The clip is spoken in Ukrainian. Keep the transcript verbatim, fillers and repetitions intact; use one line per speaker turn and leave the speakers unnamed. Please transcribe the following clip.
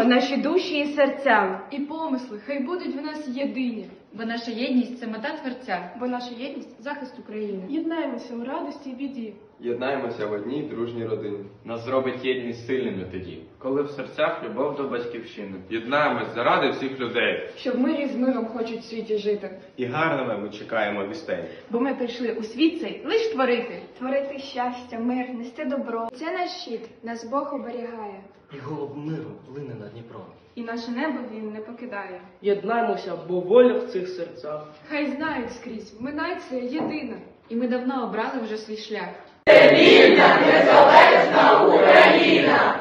єднаємо наші душі і серця.
І помисли, хай будуть в нас єдині.
Бо наша єдність – це мета Творця.
Бо наша єдність – захист України.
Єднаємося у радості і біді.
Єднаємося в одній дружній родині.
Нас зробить єдність сильними тоді, коли в серцях любов до батьківщини.
Єднаємось заради всіх людей.
Що в мирі з миром хочуть в світі жити.
І гарними ми чекаємо вістей.
Бо ми прийшли у світ цей лиш творити.
Творити щастя, мир, нести добро. Це наш щит, нас Бог оберігає.
І голуб миру плине над Дніпром.
І наше небо він не покидає.
Єднаймося, бо воля в цих серцях.
Хай знають скрізь, ми нація єдина.
І ми давно обрали вже свій шлях.
Вільна, незалежна Україна!